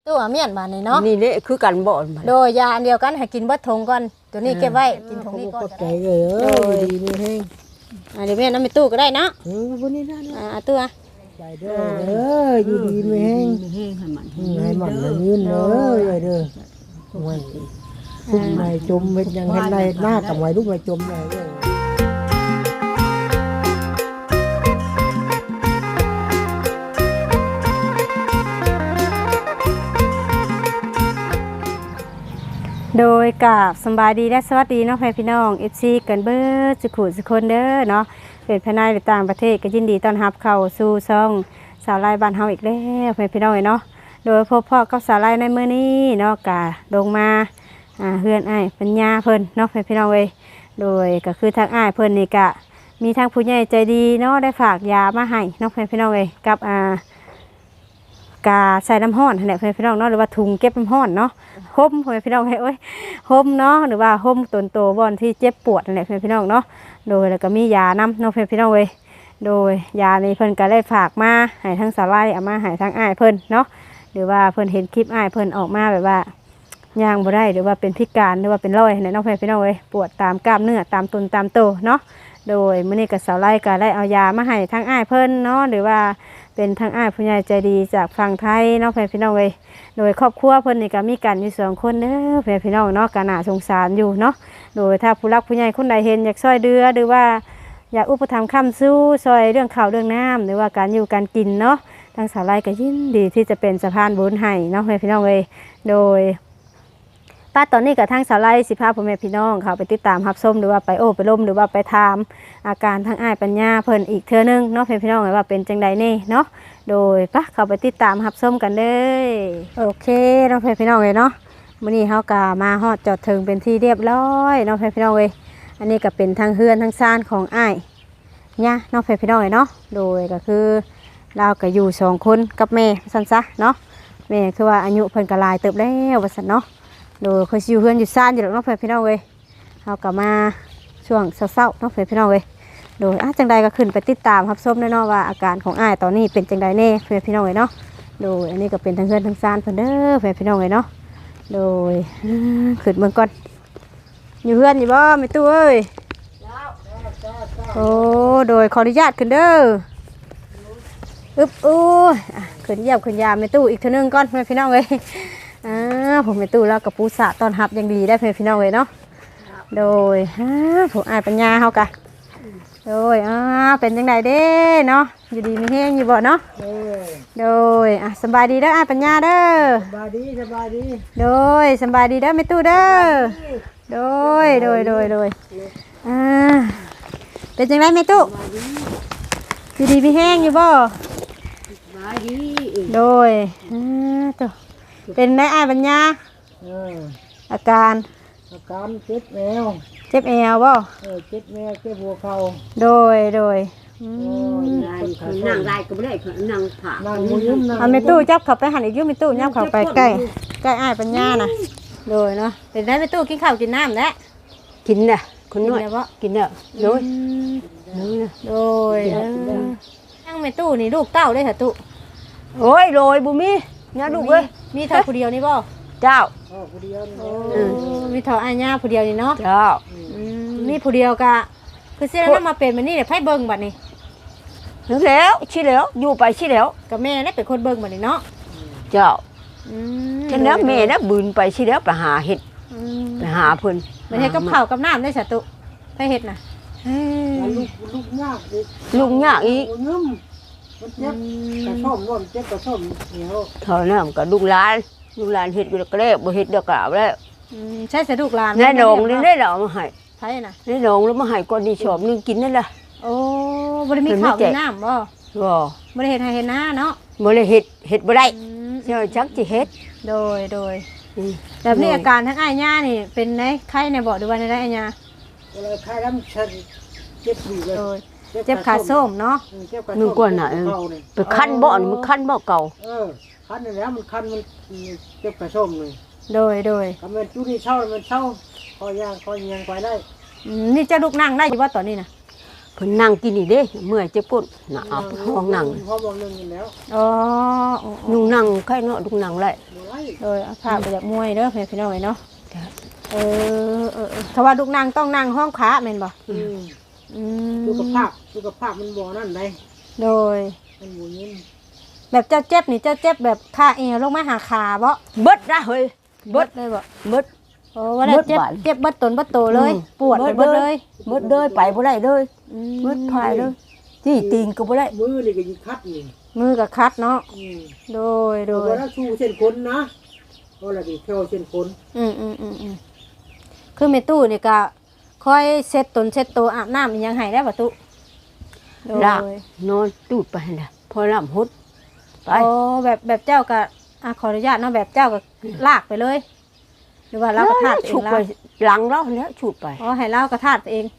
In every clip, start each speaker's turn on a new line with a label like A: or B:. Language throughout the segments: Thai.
A: ตู้อาเมียนบาดนี่เนาะ
B: นี่แหละคือกันบ่
A: โดยยาอันเดียวกันให้กินเบิดทงก่อนตัวนี้เก็บไว้กินทงนี้ก่อน
C: ใจเลยดีนี่แห้ง
A: เดี๋ยวแม่น้ำไปตู้ก็ได้เนาะ
C: วันนี้ได้
A: ตู้
C: ใจเด้ออยู่ดีไม่แห้งให้มันยืนเด้อเด้อมันพุ่งในจมเป็นยังเห็นในหน้ากับไว้ลูกในจมเลย
A: โดยกับสบายดีและสวัสดีน้องพี่น้อง FC กันเบิร์ดสุขุสุคนเด้อเนาะเป็นภายในหรือต่างประเทศก็ยินดีต้อนรับเข้าสู่ช่องสาวไร่บ้านเฮาอีกแล้วพี่น้องเนาะโดยพบพ่อกับสาวไร่ในมื้อนี้เนาะกะลงมาเฮือนอ้ายปัญญาเพิ่นเนาะพี่น้องเว้ยโดยก็คือทางอ้ายเพิ่นนี่กะมีทางผู้ใหญ่ใจดีเนาะได้ฝากยามาให้เนาะพี่น้องเว้ยกับกาใส่น้ำห้อนเนี่ยพี่น้องเนาะหรือว่าถุงเก็บน้ำห้อนเนาะห่มพี่น้องให้ห่มเนาะหรือว่าห่มตนโตบอนที่เจ็บปวดนั่นแหละพี่น้องเนาะโดยแล้วก็มียาน้ำเนาะพี่น้องเว้ยโดยยานี้เพิ่นก็ได้ฝากมาให้ทั้งสาลายเอามาให้ทั้งอ้ายเพิ่นเนาะหรือว่าเพิ่นเห็นคลิปอ้ายเพิ่นออกมาแบบว่าย่างบ่ได้หรือว่าเป็นพิการหรือว่าเป็นรอยเนี่ยน้องพี่น้องเว้ยปวดตามกล้ามเนื้อตามตามโตเนาะโดยมื้อนี้ก็สาลายก็ได้เอายามาให้ทั้งอ้ายเพิ่นเนาะหรือว่าเป็นทางอ้ายผู้ใหญ่ใจดีจากฝั่งไทยเนาะพี่น้องเว้ยโดยครอบครัวเพิ่นนี่ก็มีกันอยู่2คนเด้อพี่น้องเนาะก็น่าสงสารอยู่เนาะโดยถ้าผู้รักผู้ใหญ่คนใดเห็นอยากช่วยเหลือหรือว่าอยากอุปถัมภ์ค้ำสู้ช่วยเรื่องข้าวเรื่องน้ำหรือว่าการอยู่การกินเนาะทางสาวไร่ก็ยินดีที่จะเป็นสะพานบุญให้เนาะพี่น้องเว้ยโดยป้าตอนนี้กับทางสาวไร่สิพาพ่อแม่พี่น้องเขาไปติดตามรับชมหรือว่าไปไปล้มหรือว่าไปถามอาการทางอ้ายปัญญาเพิ่นอีกเทื่อนึงเนาะพี่น้องว่าเป็นจังใดนี่เนาะโดยปะเข้าไปติดตามรับชมกันเลยโอเคน้องพี่น้องเลยเนาะมื้อนี้เฮาก็มาฮอดจอดถึงเป็นที่เรียบร้อยน้องพี่น้องเลยอันนี้ก็เป็นทางเฮือนทางซ่านของอ้ายเนี่ยน้องพี่น้องเลยเนาะโดยก็คือเราก็อยู่2คนกับแม่ซั่นซะเนาะแม่คือว่าอายุเพิ่นก็หลายเติบแล้วว่าซั่นเนาะโดยเขาอยู่เฮือนอยู่ซ่านอยู่แล้วน้องพี่น้องเลยเฮาก็มาช่วงเช้าๆน้องพี่น้องเลยโดยจังใดก็ขึ้นไปติดตามรับชมแน่นอนว่าอาการของอ้ายตอนนี้เป็นจังใดแน่พี่น้องเลยเนาะโดยอันนี้ก็เป็นทางเฮือนทางซ่านเพิ่นเด้อพี่น้องเลยเนาะโดยขึ้นเมืองก่อนอยู่เฮือนอยู่บ่แม่ตู้เอ้ยโอ้โดยขออนุญาตขึ้นเด้ออึ๊บอู้ขึ้นเยี่ยมขึ้นยามแม่ตู้อีกเทื่อนึงก่อนพี่น้องเลยผมแม่ตู้แล้วกับปูสะตอนหับยังดีได้พี่น้องเลยเนาะโดยผมอ้ายปัญญาเฮากะโดยเป็นจังไดเด้เนาะอยู่ดีมีแห้งอยู่บ่เนาะโดยสบายดีเด้ออ้ายปัญญาเด้อ
C: สบายดี
A: โดยสบายดีเด้อแม่ตู้เด้อโดยเป็นจังไดแม่ตู้อยู่ดีมีแห้งอยู่บ่โดยตัวเป็นได้อ้ายปัญญาอาการ
C: เจ็บแอว
A: เจ็บแอวบ่
C: เจ็บแอวเจ็บหัวเข่า
A: โดย
B: นั่งได้ก็ไม่ได้นั่งผ่า
A: เอาไม่ตู้จับเข้าไปหันอีกยุ่ไม่ตู้ยับเข้าไปใกล้อ้ายปัญญาน่ะโดยเนาะเป็นได้ไม่ตู้กินข้าวกินน้ำแล้ว
B: กินน่ะคนน้อยกินน่ะโดย
A: นั่งไม่ตู้นี่ลูกเต้าได้เหรอตู้
B: โอ้ยโรยบุมีเนี่ยลูกเอ้ย
A: มีเท่าผู้เดียวนี่บ่
B: เจ้า
C: ผู้เดียว
A: มีเท่าอ้ายย่าผู้เดียวนี่เนาะ
B: เจ้า
A: มีผู้เดียวกะคือเสียแล้วมาเป็นมันนี่เดี๋ยวไพ่เบิ้งบัดนี้
B: นึกแล้วชี้แล้วอยู่ไปชี้แล้ว
A: กับแม่นี่เป็นคนเบิ้งบัดนี้เนาะ
B: เจ้าฉะนั้นแม่นะบืนไปชี้แล้วไปหาเห็ดไปหาเพิ่น
A: ไปเห็ดกับข้าวกับน้ำได้สตุไปเห็ดน่ะ
C: ลูกยากอีกมันเจ็บกระส้มร่วมเจ็บกระส้มเหนียว
B: เท่านั้นก็ลูกหลานเห็ดก็แล้วบ่เห็ดเดียวกับแล้ว
A: ใช่เสลูกหลาน
B: แน่นองนี่ได้แล้วมาให้
A: ไผน่ะ
B: แน่นองแล้วมาให้ก่อนนี่ชอบนึงกินนั่นล่ะ
A: โอ้บ่ได้มีข้าวมีน้ำบ่บ่ได้เฮ็ดให้เฮ็ดนาเนาะ
B: บ่ได้เฮ็ดบ่ได้เจ้าจักสิเฮ็ด
A: โดยแบบนี้อาการทั้งอ้ายย่านี่เป็นไดไข้ในบ่หรือว่าในได้อ้ายย่า
C: ไข้น้ำฉันเจ็บอยู่เลย
A: เจ็บขาส้มเนาะ
B: นึกว่าน่ะไปคันบ่มันคันบ่เก่า
C: คันนี่แล้วมันคันมันเจ็บขาส้มเลย
A: โดย
C: ก็มันจุนี่เช่ามันเช่าคอย่างไปได้
A: นี่จะลุกนั่งได้อยู่ว่าตอนนี้นะ
B: เพิ่นนั่งกินนี่เด้เมื่อยจะปุ่นน่ะเอาห้องนั่ง
C: ห้องนึงนี่แล้ว
A: อ๋อ
B: ลุงนั่งใครเนาะลุงนั่งไล่
C: บ่ไล่
A: โดยเอาผ้าไปจากมวยเด้อพี่น้องเนาะ
B: จ้ะ
A: ถ้าว่าลูกนางต้องนั่งห้องขาแม่นบ่
C: อืม
A: อืม
C: สุขภาพมันบ่นั่นได้
A: โดย
C: มันบ่ยิน
A: แบบเจ้าเจ็บนี่เจ้าเจ็บแบบขาเอวลงมาหาขาบ่
B: เบิดนะเฮ้ยเบิด
A: เลยบ่
B: เบิด
A: โอ้ว่าได้เจ็บ
B: เบิดบาด
A: เจ็บเบิดตนเบิดโตเลย ปวดไป
B: เบิ
A: เบิ
B: ด
A: ด
B: เล
A: เลย ย
B: เบิดเลยไปบ่ได้เลย
A: อืม
B: เบิดพายเลยที่ตีนก็บ่ได้
C: มือนี่ก็ยิงคัดนี่
A: มือกับคัดเนาะ
C: อืม
A: โดย
C: โด
A: โด
C: ย
A: ย
C: แล้วชูเส้นคนนะเพราะอะไรดิแค่เส้นคน
A: คือแม่ตู้นี่ก็ค่อยเช็ดตนเช็ดตัวอาบน้ำอีหยังให้ได้บ่ตุโดย
B: ลากนอนตูดไปหั่นน่ะพอลำหุดไป
A: โอ้แบบเจ้าก็ขออนุญาตเนาะแบบเจ้าก็ลากไปเลย หรือว่าเราก็ทาดเอ
B: ฉุ
A: ง
B: ก
A: แล้
B: ไป
A: ว
B: หลังเราแล้วฉุดไป
A: อ๋อให้เราก็ทาดไปเอง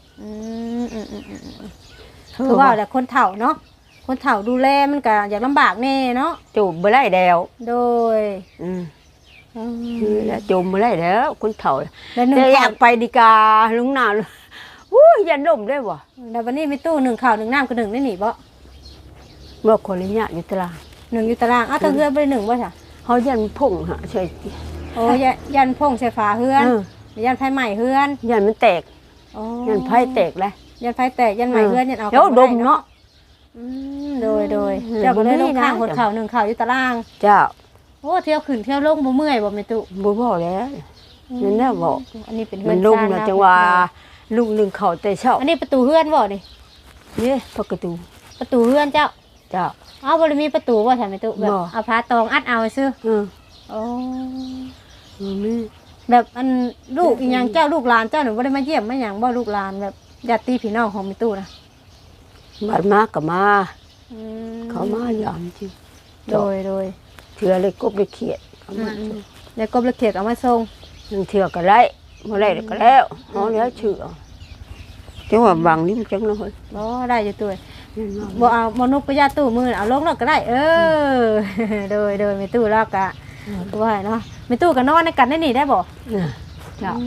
A: คือว่าแต่คนเฒ่าเนาะคนเฒ่าดูแลมันก็อยากลำบากแน่เนาะ
B: จูบบ่ได้แล้ว
A: โดย
B: นี่แหละจูบบ่ได้แล้วคนเฒ่า
A: แล้วหนึ่ง
B: แต่อยา
A: ข้าว
B: กไปดีกาลุงนาอู้ยยันดมได้บ่
A: แล้ววันนี้มีตู้หนึ่งข้าวหนึ่งน้ำก็หนึ่งได้หนิบ่
B: เมื่อคนละเนี่ยอยู่ตาราง
A: หนึ่งอยู่ตารางอ้าวตะเฮือนไปหนึ่งบ่จ้ะ
B: เฮายันพงหะใช่
A: โอ้ยันพงใส่ฝาเฮือนยันไฟใหม่เฮือน
B: ยันมันแตก
A: อ๋อ
B: ยันไผแตกเลย
A: ยันไฟแตกยันใหม่เฮือนยันเอา
B: เดี๋ยวดมเนาะ
A: โดยเจ้าก็เลยลงข้าง
B: บ่มีนะ
A: คนเข่าหนึ่งเข่าอยู่ตาราง
B: เจ้า
A: โอ้เที่ยวขึ้นเที่ยวลงบ่เมื่อยบ่แม่ตุ
B: บ่พอแล้วนั่นน่ะบอก
A: อันนี้เป็นเฮื
B: มั
A: อน น
B: ลง
A: ซ่
B: แล้วจังว่าลุงหนึงเข้าแต่เช้า
A: อันนี้ประตูเฮือนบ่นี่
B: นี่ประตู
A: ประตูเฮือนเจ้า
B: เจ้า
A: อ้าวบ่ได้มีประตูบ่ใช่แม่ตุแบบ
B: บ่
A: เอาผ้าตองอัดเอาซื่อ โอ้
B: มี
A: แบบอันลูกอีหยังเจ้าลูกหลานเจ้าหนูบ่ได้มาเยี่ยมมาหยังบ่ลูกหลานแบบญาติพี่น้องของแม่ตุนะ
B: บัดมาก็มา
A: อืม
B: เขามายามจริง
A: โดย
B: เทื่อเลยกบเลยเขียดเขามา
A: แล้วก็ละเขียดเอามาส่ง
B: ยังเทื่อก็ได้บ่ได้ก็แล้วเฮาแล้วชื่อจังว่าบางนี่มันจังเนาะเฮ้ย
A: บ่ได้อยู่ตัวบ่เอาบ่นุกไปญาติตู้มือเอาลงแล้วก็ได้ โดยแม่ตู้แล้วก็ว่าเนาะแม่ตู้ก็นอนในกันได้นี่ได้บ่
B: เจ้า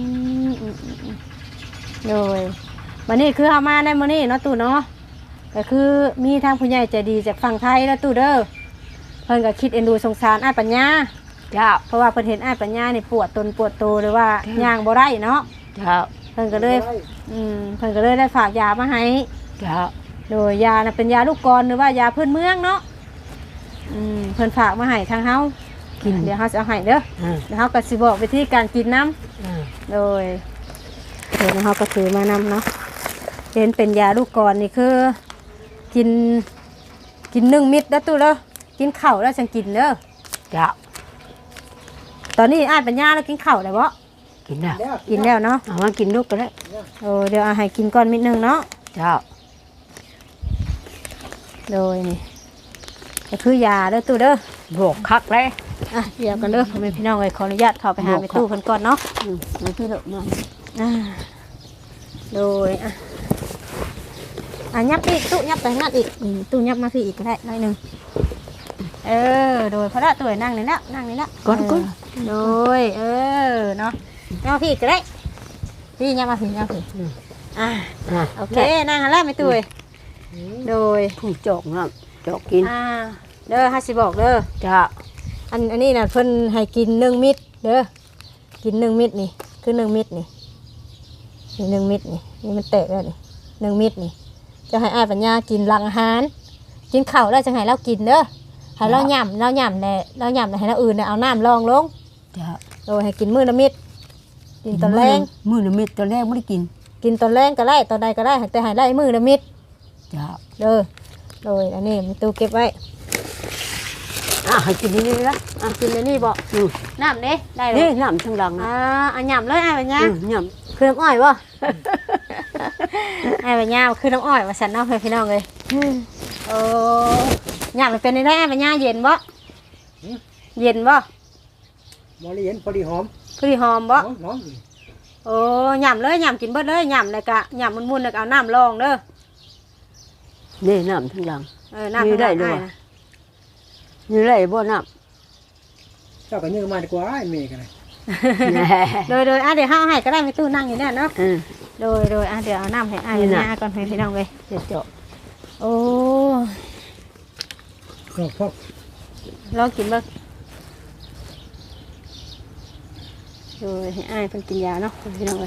A: โดยวันนี้คือเฮามาในมื้อนี้เนาะตู้เนาะก็คือมีทางผู้ใหญ่ใจดีจากฝั่งไทยแล้วตู้เด้อเพิ่นก็คิดเอ็นดูสงสารอ้ายปัญญา
B: เจ้า
A: เพราะว่าเพิ่นเห็นอ้ายปัญญานี่ปวดตนปวดโตหรือว่าย่างบ่ได้เนาะ
B: เจ้า
A: เพิ่นก็เลยเพิ่นก็เลยได้ฝากยามาให้
B: เจ้า
A: โดยยาน่ะเป็นยาลูกกรหรือว่ายาพื้นเมืองเนาะเพิ่นฝากมาให้ทางเฮากินเดี๋ยวเฮาจะเอาให้เด้อเดี๋ยวเฮาก็สิบอกวิธีการกินน้ำโดยเดี๋ยวเฮาก็ถือมานำเนาะเป็นยาลูกกรนี่คือกิน1 เม็ดแล้วตู้เด้อกินข้าวแล้วจังกินเด้อ
B: เจ้า
A: ตอนนี้อ้ายปัญญาแล้วกินข้าวได้บ่
B: กินแล้ว
A: กินแล้วเนาะ
B: เอามากินลูกก็ได้
A: เดี๋ยวเอาให้กินก่อนนิดนึงเนาะ
B: เจ้า
A: โดยนี่ก็คือยาเด้อตู้เด้อ
B: บอกคักเลย
A: เดี๋ยวกันเด้อพ่อแม่พี่น้องเลยขออนุญาตเข้าไปหาไปตู้เพิ่นก่อนเนาะ
B: มาพี่เด้อมา
A: โดยยับอีกตู้ยับไปนั่นอีกตู้ยับมาพี่อีกก็ได้หน่อยหนึงโดยพระตัวนั่งนี่แล้วนั่งนี่แล้ว
B: ก่อน
A: โดยเนาะยับมาพี่ก็ได้พี่ยับมาพี่โอเคนั่งหันแล้วไม่ตู้โดย
B: ผู้จอกน้ำจอกกิน
A: เด้อฮัสิบอกเด้อ
B: เจ้า
A: อันนี้น่ะเพิ่นให้กิน1 เม็ดเด้อกิน1 เม็ดนี่คือ1 เม็ดนี่1 เม็ดนี่มันแตกแล้วนี่1 เม็ดนี่จะให้อ้ายปัญญากินหลังอาหารกินข้าวแล้วจะให้เรากินเด้อให้เราย่ำแหละให้เราอื่นเนี่ยเอาน้ำรองลง
B: เจ้า
A: โดยให้กินมื้อละเม็ดกินตอนแรง
B: มื้อละเม็ดตอนแรกไม่ได้กิน
A: กินตอนแรงก็ได้ตอนใดก็ได้แต่ให้ได้มื้อละเม็ด
B: เจ้า
A: เด้อโดยอันนี้มีตู้เก็บไว้
B: ให้กินนี่ละ
A: กินในนี่บ่น้ำเด้ได้เล
B: นี่
A: ย
B: น้ำทั้งหลังนะ
A: อันย่ำเลยอ้ายปัญญา
B: ย่
A: คือน้ำอ้อยบ่ไอ้ใบหญ้าคือน้ำอ้อยว่าสันเนาะพี่น้องเลยโอ้หญ้ามันเป็นได้ไอ้ใบหญ้าเย็นบ่เย็นบ่
C: มอลีเห็นพอดีหอม
A: พอดีหอมบ่
C: หอม
A: โอ้หย่ำเลยหย่ำกินเบิดเลยหย่ำเลยกะหย่ำมุนๆเลยเอาน้ำรองเด้อ
B: ำนี่น้ำทั้งหลัง
A: น้ำ
B: มีได้ด้วย นี่ไรบ่น้
C: เจ้าก็ยืมมาดีกว่าไอ้เมย์กันเลย
B: ำ
A: โดยเดี๋ยวเฮาให้ก็ได้ไม่ตู้นั่งอยู่เนี่ยเนาะโดยเดี๋ยวเอาน้ำให้อ้ายปัญญาก่อนให้พี่น้องเลย
B: เดี๋ยวเจาะ
A: โอ้
C: พวก
A: ลองกินบ้างโดยให้อ้ายเพิ่นกินยาเนาะพี่น้องเลย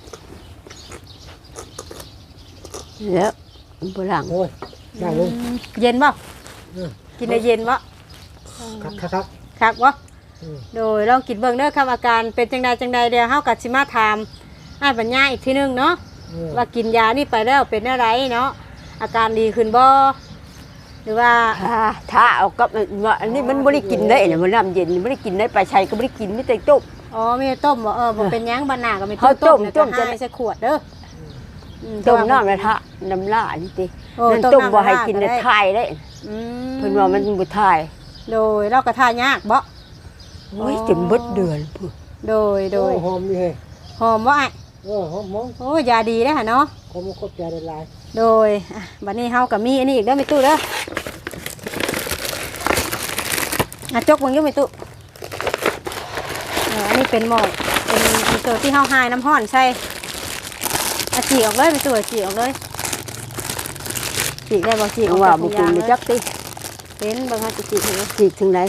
B: แล้วโบราณ
C: โอ้ยได้ลง
A: เย็นบ่กินได้เย็นบ่
C: ครับ
A: คักบ่โดยลองกินเบิ่งเด้อครับอาการเป็นจังใดเดี๋ยวเฮาก็สิมาถามอ้ายปัญญาอีกทีนึงเนาะว่ากินยานี่ไปแล้วเป็นอะไรเนาะอาการดีขึ้นบ่หรือว่า
B: ถ้าเอากับว่าอันนี้มันไม่ได้กินได้เนี่ยมันน้ำเย็นไม่ได้กินได้ปลาชัยก็ไม่ได้กินไม่ได้ต้ม
A: อ๋อมีต้มบ่บ่เป็นหยังบานหน้าก็มี
B: เขาต้ม
A: แล้วก็
B: ต้มจะ
A: ให้ใส่ขวดเด้อ
B: ต้มน้ำกระทะน้ำล่านี่ติ
A: โอ้
B: นั่น
A: ต้
B: ต้
A: ม
B: ม
A: น้ำ
B: บ่ให้
A: ละลาย
B: กิน
A: ก็
B: ใน
A: ได้
B: ทายได้
A: อืม
B: เพิ่นว่ามันบ่ทาย
A: โดยเราก็ทายากบ่
B: โอ้ยจนเบิดเดือนพุ่น
A: โดย
C: หอมนี่เฮ้ย
A: หอมบ่อ้าย
C: หอมมอง
A: โอ้ยาดีเด้อหั่นเนาะ
C: ผมก็ใจละลาย
A: โดยบัดนี้เฮาก็มีอันนี้อีกเด้อมีตู้เด้อจกเบิ่งอยู่มีตู้อันนี้เป็นหม้อเป็นตัวที่เฮาหายน้ำร้อนใส่จีออกเลยมีตู้จีออกเลยจีได้บ่จีออก
B: ว่า
A: จาก
B: บ่
A: ถุง
B: กิ
A: ยาน ง
B: บ่
A: เลย
B: จักติ
A: เห็นเบิ่งเฮาสิจีให้
B: จิกถึงไหน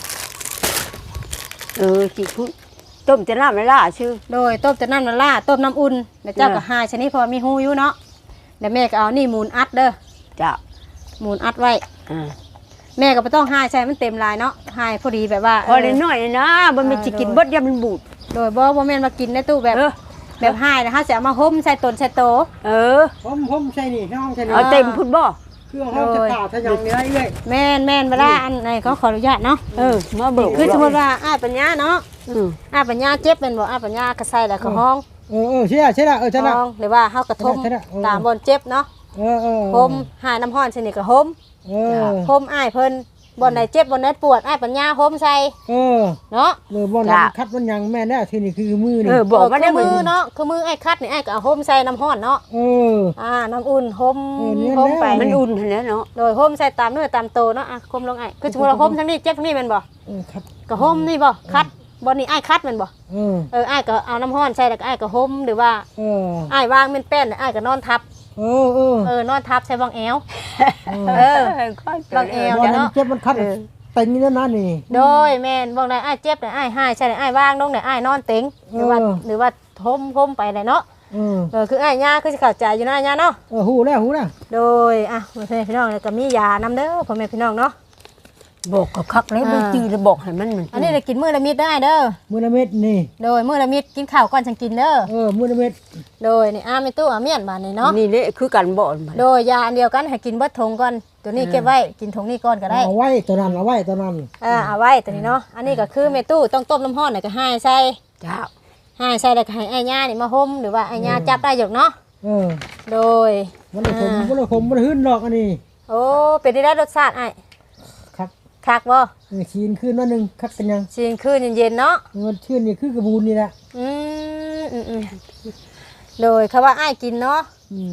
B: จิกพุ่นต้มจะน้ำไม่ล่าชื่อ
A: โดยต้มแต่น้ำละลายต้มน้ำอุ่นแล้วเจ้าก็หายชนิดพอมีหูอยู่เนาะเดี๋ยวแม่ก็เอานี่มูลอัดเด้อ
B: จ้ะ
A: มูลอัดไว้
B: อ่า
A: แม่ก็ไม่ต้องหายใช่มันเต็มลายเนาะหายพอดีแบบว่า
B: พอได้น้อยนะมันไม่สิกินเบิดยามมันบูด
A: โดยบ่แม่นมากินในตู้แบบ
B: เออ
A: แบบหายนะฮะจะเอามาห่มใส่ตนใส่โต
C: ผมใช่นี่ห้องใช่นี่
B: เอาเต็มพุ่นบ่
C: เครื่องห้องจะตาถ้าอย่างนี้ได้เลย
A: แม่นเวลาอันไหนเขาขออนุญาตเนาะ
B: มาเบิก
A: คือสมมติว่าอ้ายปัญญาเนาะ
B: อืม
A: อ้ายปัญญาเจ็บเป็นบ่อ้ายปัญญากระใส่แล้วก็ห้อง
C: ใช่ใช่ละใช่ละ
A: ห้องหรือว่าเฮากระทม
C: ใช่ละ
A: ตามบนเจ็บเนาะห่มหายน้ำร้อนชนิดก็ห่มห่มอ้ายเพิ่นบ่อนไหนเจ็บบ่อนไหนปวดอ้ายปัญญาห่มใส่เนาะ
C: บ่อนนั้นคัดมันยังแม่แน่ทีนี่คือมือนี่
B: บอกว่าได้
A: มือเนาะคือมือไอ้คัดนี่ไอ้ก็เอาห่มใส่น้ำร้อนเนาะน้ำอุ่นห่มไป
B: มันอุ่นหั่นแหล้วเนาะ
A: โดยห่มใส่ตามเนื้อตามโตเนาะคมลงไอ้คือสมมุติเราห่มทั้งนี้เจ็บทั้งนี้แม่นบ่
C: ครับ
A: ก็ห่มนี่บ่คัดบ่นี่ไอ้คัดแม่นบ่ไอ้ก็เอาน้ำร้อนใส่แล้วก็ไอ้ก็ห่มหรือว่าไอ้วางเป็นแป้นไอ้ก็นอนทับนอนทับใส่วางแอววางแอวเนาะ
C: เจ็บมันคัดเต็งนี่นะนี่
A: โดยแม่นบ่ได้ไอ้เจ็บไอ้หายใช่ไอ้วางลงไอ้นอนเต็งหรือว่าห่มไปได้เนาะคือไอ้ย่าคือสิเข้าใจอยู่นะย่าเนาะ
C: หูแล้ว
A: โดยพ่อแม่พี่น้องก็มียานำเด้อพ่อแม่พี่น้องเนาะ
B: บอกกับคักเลยบ่จื้อแล้วบอกให้มัน
A: อันนี้ได้กินมื้อละมิดได้เด้อ
C: มื้อละเม็ดนี่
A: โดยมื้อละมิดกินข้าวก่อนจังกินเด้อ
C: มื้อละเม็ด
A: โดยนี่แม่ตู้เมียนบาดนี่เนาะ
B: นี่แหละคือกันบ่
A: โดยยาอันเดียวกันให้กินเบิดถุงก่อนตัวนี้เก็บไว้กินถุงนี้ก่อนก็ได้
C: เอาไว้ตัวนั้นเอาไว้ตัวนั้น
A: เอาไว้ตัวนี้เนาะอันนี้ก็คือแม่ตู้ต้องต้มน้ำร้อนแล้วก็ให้ใส่
B: จ้า
A: ให้ใส่แล้วก็ให้ไอ้ย่านี่มาห่มหรือว่าไอ้ย่าจับได้อยู่เนาะโดย
C: มันละคมมันหื้นดอกอันนี้
A: โอ้เป็นได้รสชาติไอ้
C: ครับ
A: คักบ่
C: ชีนขึ้นนิดนึงคักกันยัง
A: ชินคืนเย็นๆเนาะ
C: มันชื่นนี่คือกระบูนนี่แหละ
A: โดยคำว่าไอ้กินเนาะ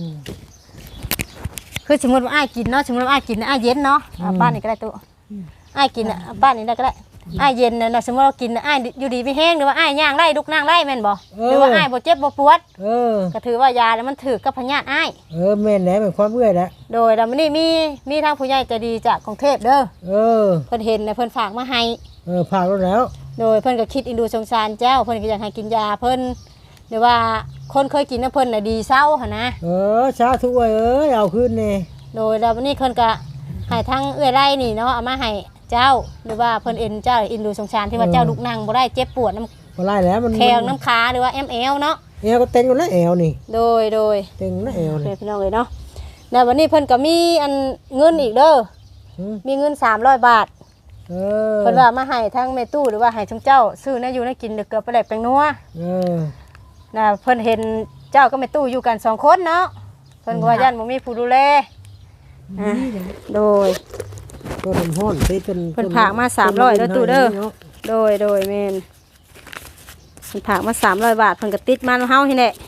A: คือสมมติว่าไอ้กินเนาะสมมติว่าไอ้กินไอ้เย็นเนาะป้านนี่ก็ได้ตัวไอ้กินป้านนี่ได้ก็ได้ไอ้เย็นนะสมมติเรากินไอ้อยู่ดีไม่แห้งหรือว่าไอ้ย่างไล่ลุกนั่งไล่แม่นบ่หรือว่าไอ้บ่เจ็บบ่ปวดก็ถือว่ายาแล้วมันถือกับพญาติไอ้
C: แม่นแหละเป็นความเมื่อยแหละ
A: โดยแล้วมันนี่มีทางผู้ใหญ่ใจดีจากกรุงเทพเด้อเพิ่นเห็นนะเพิ่นฝากมาให้
C: ผ่านแล้ว
A: โดยเพิ่นก็คิดอินดูสงสารเจ้าเพิ่นก็อยากให้กินยาเพิ่นหรือว่าคนเคยกินนะเพิ่นน่ะดีเศร้าหั่นนะ
C: สาธุเอาขึ้นนี่
A: โดยแล้ววันนี้เพิ่นก็ให้ทั้งเอื้อยไร่นี่เนาะเอามาให้เจ้าหรือว่าเพิ่นเอ็นเจ้าอินดูสงสารที่ว่าเจ้าลุกนั่งบ่ได้เจ็บปวดน้ำ
C: บ่ได้แล้วมัน
A: แขงน้ำขาหรือว่า ML เนาะ
C: แอวก็เต็งอยู่แล้วแอวนี่
A: โดย
C: เต็งแล้วแอวนี่
A: พี่น้องเอ้ยเนาะแล้ววันนี้เพิ่นก็มีอันเงินอีกเด้อมีเงิน300 บาทเพิ่นว่ามาให้ทั้งแม่ตู้หรือว่าให้ทั้งเจ้าซื้อนะอยู่นะกินเกือบไปได้แปลงนัวน่ะเพิ่นเห็นเจ้ากับแม่ตู้อยู่กัน2คนเนาะเพิ่นก็ว่าย่านบ่มีผู้ดูแลโดย
C: ต้นห้อนเ
A: พิ่นผากมา300เด้อตู้เด้อโดยแม่นเพิ่นผากมา300 บาทเพิ่นก็ติดมาเฮานี่แหละ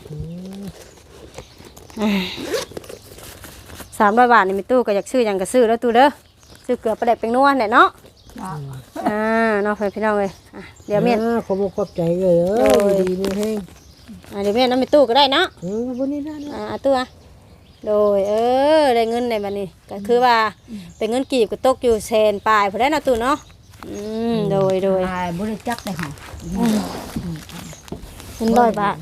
A: 300 บาทนี่มีตู้ก็อยากซื้อหยังก็ซื้อแล้วตู้เด้อซื้อเกลือประเด็ดเป็นนัวเนี่ยเนาะเนาะพี่น้องเลยเดี๋ยวเมียน
C: ขอบใจดีมีแห้ง
A: เดี๋ยวแม่น้ำไปตู้ก็ได้เนาะ
C: วันนี้ได้
A: เอาตู้โดยได้เงินในบัดนี้ก็คือว่าเป็นเงินกีบก็ตกอยู่แสนปลายพอได้เนาะตู้เนาะโดย
B: บ่ได้จักได้หา
A: เป็น100 บาท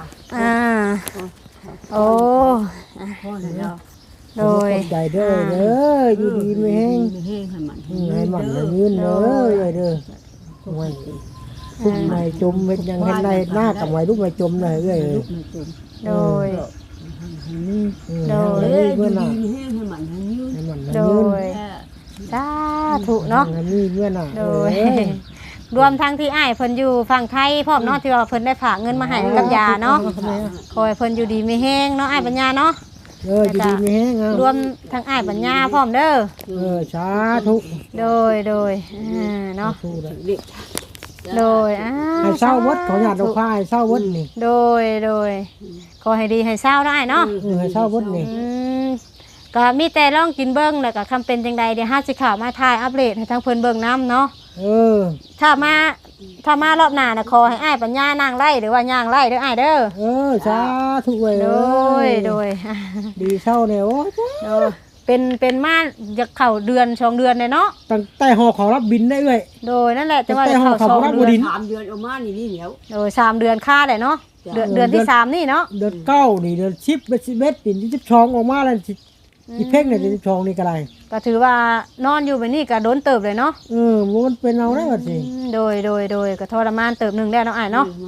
A: โอ้
B: พ่อแล้ว
A: โดย
C: ใจเด้ออยู่ดีไม่แห้ง
B: แห้งให้มัน
C: ให้มันยืนเด้อเด้อวันซุ่มในจมเม็ดยังเห็นในหน้ากับไว้ลูกไม่จมเลยเอ้ย
A: โดย
B: เมื่อน่ะแห้งให้มันให้ยืน
C: ให้มัน
A: โด
C: ยืน
A: ยสาธุเนาะ
C: มีเมื่อน่ะ
A: โดยรวมทั้งที่อ้ายเพิ่นอยู่ฝั่งไทยพร้อมเนาะที่ว่าเพิ่นได้ฝากเงินมาให้กับยาเนาะขอให้เพิ่นอยู่ดีมีแฮงเนาะอ้ายปัญญาเนาะ
C: อยู่ดีไม่แห้ง
A: รวมทั้งอ้ายปัญญาพร้อมเด้อ
C: สาธุ
A: โดยเนาะโดย
C: ให้เศร้าวัดเขาอยากดอกผ้าให้เศร้าวัดนี่
A: โดยขอให้ดีให้เศร้าได้เนาะ
C: ให้เศร้าวัดนี่
A: ก็มีแต่ลองกินเบิ่งแล้วก็คำเป็นจังใดเดี๋ยวห้าสิข่าวมาถ่ายอัปเดตให้ทั้งเพิ่นเบิ่งน้ำเนาะถ้ามารอบหน้าน่ะขอให้อ้ายปัญญานางไล่หรือว่าย่างไล่เด้ออ้ายเด้อ
C: สาธุเว้ย
A: โดย
C: ดีเศร้าเนี่ยโอ้
A: เป็นมาจะเข้าเดือน2 เดือนเลยเนาะ
C: ตั้งแต่หอเขารับบินได้เลย
A: โดยนั่นแหละจะว่าจะเข้า2 เดือน
B: 3 เดือนออกมานี่เหนียว
A: โดย3 เดือนค่าได้เนาะเดือนที่3นี่เนาะ
C: เดือน9นี่เดือน10 11ปีที่12ออกมาแล้วอีเพ่งเนี่ยที่12นี่ก็ได้
A: ก็ถือว่านอนอยู่แบบนี้ก็โดนเติบเลยเนาะ
C: มันเป็นเอาได้บัดสิ
A: โดยก็ทรมานเติบนึงได้เนาะอ้ายเนาะ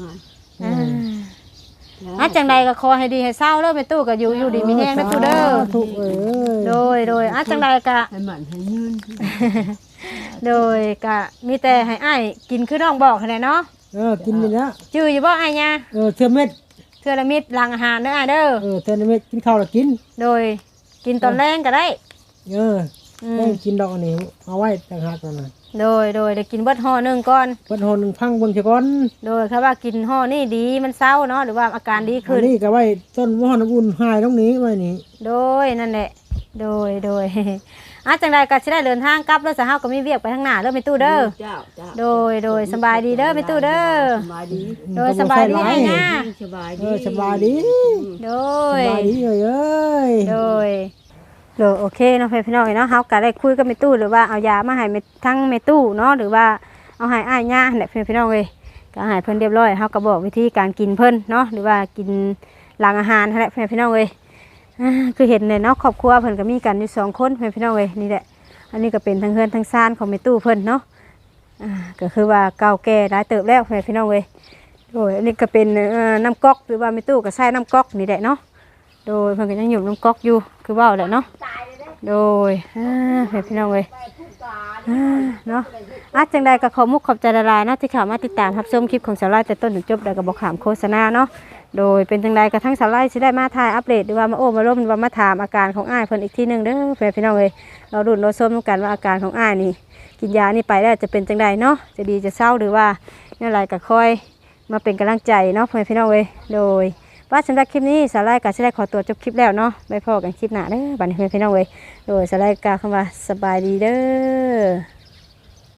A: จังใดก็ขอให้ดีให้เศร้าเด้อแม่ตู้ก็อยู่ดีมีแฮงนะตู้เด้อโดยจังใดก็
B: ให้มันให้ยืน
A: โดยก็มีแต่ให้อ้ายกินคือน้องบอกหั่นแหละเนาะ
C: กินนี่นะ
A: จื้ออยู่บ่อ้ายย่า
C: เทื่อเม็ด
A: ละเม็ดหลังอาหารเด้ออ้ายเด้อ
C: เทื่อละเม็ดกินข้าวแล้วกิน
A: โดยกินตอนแรงก็ได้
C: ได้กินดอกอันนี้เอาไว้ต่างหากก่อนน่ะ
A: โดยได้กินเบิดห่อนึงก่อน
C: เบิดห่อนึงพังเบิ่งซะก่อน
A: โดยครับว่ากินห่อนี่ดีมันเศร้าเนาะหรือว่าอาการดีขึ้น
C: นี่ก็ไว้ต้นห่อน้ำอุ่นหายตรงนี้ไว้นี่
A: โดยนั่นแหละโดยจังใดก็สิได้เดินทางกลับแล้วสะเฮาก็มีเวียกไปทางหน้าเด้อแม่ตู้เด้อโดยสบายดีเด้อแม่ตู้เด้อ
B: สบายดี
A: โดยสบายดีอ้ายย่า
B: สบายดี
A: โดย
C: สบายดีเอ้ย
A: โดยโอเคเนาะพี่น้องเนาะเฮาก็ได้คุยกับแม่ตู้หรือว่าเอายามาให้ทั้งแม่ตู้เนาะหรือว่าเอาให้อ้ายย่าแหละพี่น้องเอ้ยก็ให้เพิ่นเรียบร้อยเฮาก็บอกวิธีการกินเพิ่นเนาะหรือว่ากินหลังอาหารนั่นแหละพี่น้องเอ้ยคือเห็นเนี่ยเนาะครอบครัวเพิ่นก็มีกันอยู่2 คนพี่น้องเอ้ยนี่แหละอันนี้ก็เป็นทั้งเฮือนทั้งซ่านของแม่ตู้เพิ่นเนาะก็คือว่าเก่าแก่หลายเติบแล้วพี่น้องเอ้ยโดยอันนี้ก็เป็นน้ำก๊อกหรือว่าแม่ตู้ก็ใช้น้ำก๊อกนี่แหละเนาะโดยเพิ่นก็ยังอยู่น้ำก๊อกอยู่คือว่าแหละเนาะโดยพี่น้องเอ้ยเนาะจังใดก็ขอมุกขอบใจละลายนะที่เข้ามาติดตามรับชมคลิปของสาวไร่แต่ต้นถึงจบได้ก็บ่ขามโฆษณาเนาะโดยเป็นจังใดกระทั่งสาวไร่สิได้มาถ่ายอัปเดตหรือว่ามามาร่วมหรือว่ามาถามอาการของอ้ายเพิ่นอีกทีนึงเด้อพี่น้องเอ้ยเราดูเราชมกันว่าอาการของอ้ายนี่กินยานี่ไปแล้วจะเป็นจังใดเนาะจะดีจะเศร้าหรือว่าเนี่ยอะไรก็ค่อยมาเป็นกำลังใจเนาะพี่น้องเอ้ยโดยว่าสำหรับคลิปนี้สาไลก็จะได้ขอตัวจบคลิปแล้วเนาะไปพอกันคลิปหน้าเด้อบัดนี้พี่น้องเอ้ยโดยสาไลกาคำว่าสบายดีเด้อ